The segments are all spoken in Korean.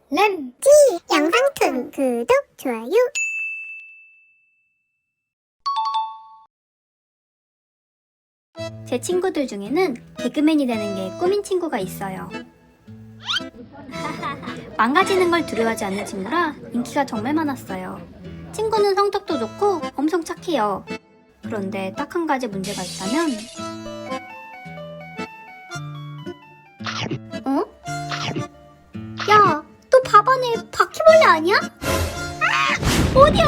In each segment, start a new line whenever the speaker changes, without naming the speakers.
램지 영상툰 구독, 좋아요.
제 친구들 중에는 개그맨이 되는 게 꿈인 친구가 있어요. 망가지는 걸 두려워하지 않는 친구라 인기가 정말 많았어요. 친구는 성격도 좋고 엄청 착해요. 그런데 딱 한 가지 문제가 있다면 야, 너 밥 안에 바퀴벌레 아니야? 어디?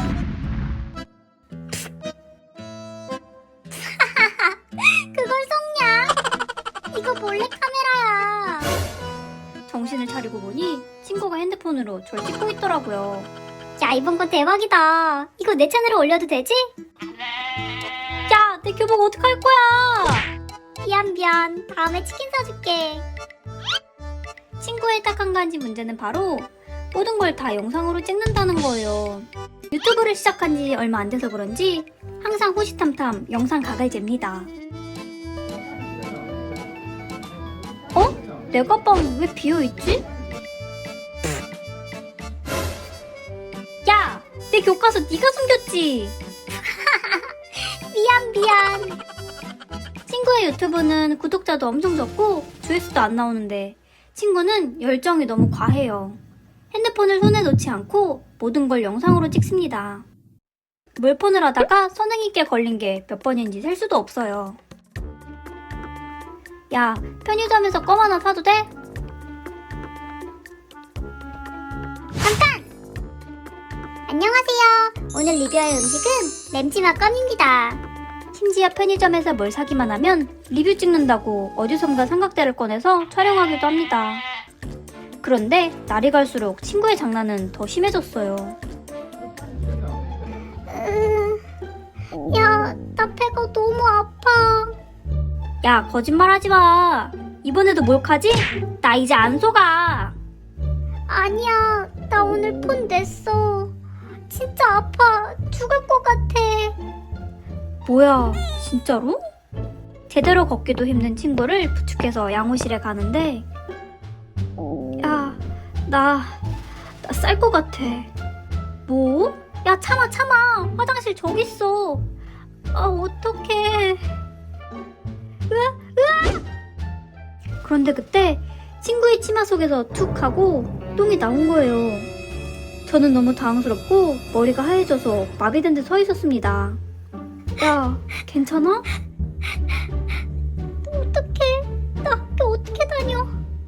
그걸 속냐? 이거 몰래 카메라야. 정신을 차리고 보니 친구가 핸드폰으로 절 찍고 있더라고요. 야, 이번 건 대박이다. 이거 내 채널에 올려도 되지? 야, 내 교복 어떡할 거야? 미안. 다음에 치킨 사줄게. 친구의 딱 한 가지 문제는 바로 모든 걸 다 영상으로 찍는다는 거예요. 유튜브를 시작한 지 얼마 안 돼서 그런지 항상 호시탐탐 영상 각을 잽니다. 내 가방 왜 비어있지? 야! 내 교과서 네가 숨겼지? 미안. 친구의 유튜브는 구독자도 엄청 적고 조회수도 안 나오는데 친구는 열정이 너무 과해요. 핸드폰을 손에 놓지 않고 모든 걸 영상으로 찍습니다. 물폰을 하다가 선생님께 걸린 게 몇 번인지 셀 수도 없어요. 야, 편의점에서 껌 하나 사도 돼?
잠깐! 안녕하세요. 오늘 리뷰할 음식은 램지맛 껌입니다.
심지어 편의점에서 뭘 사기만 하면 리뷰 찍는다고 어디선가 삼각대를 꺼내서 촬영하기도 합니다. 그런데 날이 갈수록 친구의 장난은 더 심해졌어요.
야, 나 배가 너무 아파.
야, 거짓말하지 마. 이번에도 몰카지? 나 이제 안 속아.
아니야, 나 오늘 폰 냈어. 진짜 아파. 죽을 것 같아.
뭐야, 진짜로? 제대로 걷기도 힘든 친구를 부축해서 양호실에 가는데 야, 나 쌀 것 같아. 뭐? 야, 참아. 화장실 저기 있어. 아, 어떡해. 으아! 그런데 그때 친구의 치마 속에서 툭 하고 똥이 나온 거예요. 저는 너무 당황스럽고 머리가 하얘져서 마비된 데 서 있었습니다. 야, 괜찮아?
어떡해. 나 학교 어떻게 다녀?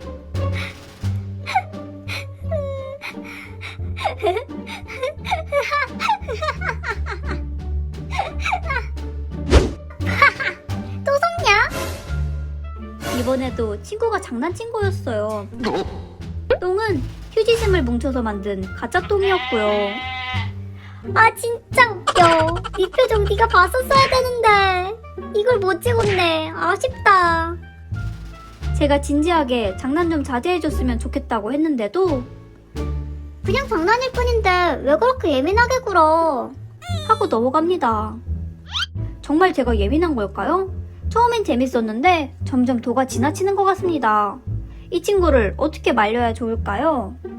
또 속냐?
이번에도 친구가 장난친 거였어요. 똥은 휴지심을 뭉쳐서 만든 가짜 똥이었고요.
아, 진짜 웃겨. 이 표정 네가 봤었어야 되는데. 이걸 못 찍었네. 아쉽다.
제가 진지하게 장난 좀 자제해줬으면 좋겠다고 했는데도
그냥 장난일 뿐인데 왜 그렇게 예민하게 굴어?
하고 넘어갑니다. 정말 제가 예민한 걸까요? 처음엔 재밌었는데 점점 도가 지나치는 것 같습니다. 이 친구를 어떻게 말려야 좋을까요?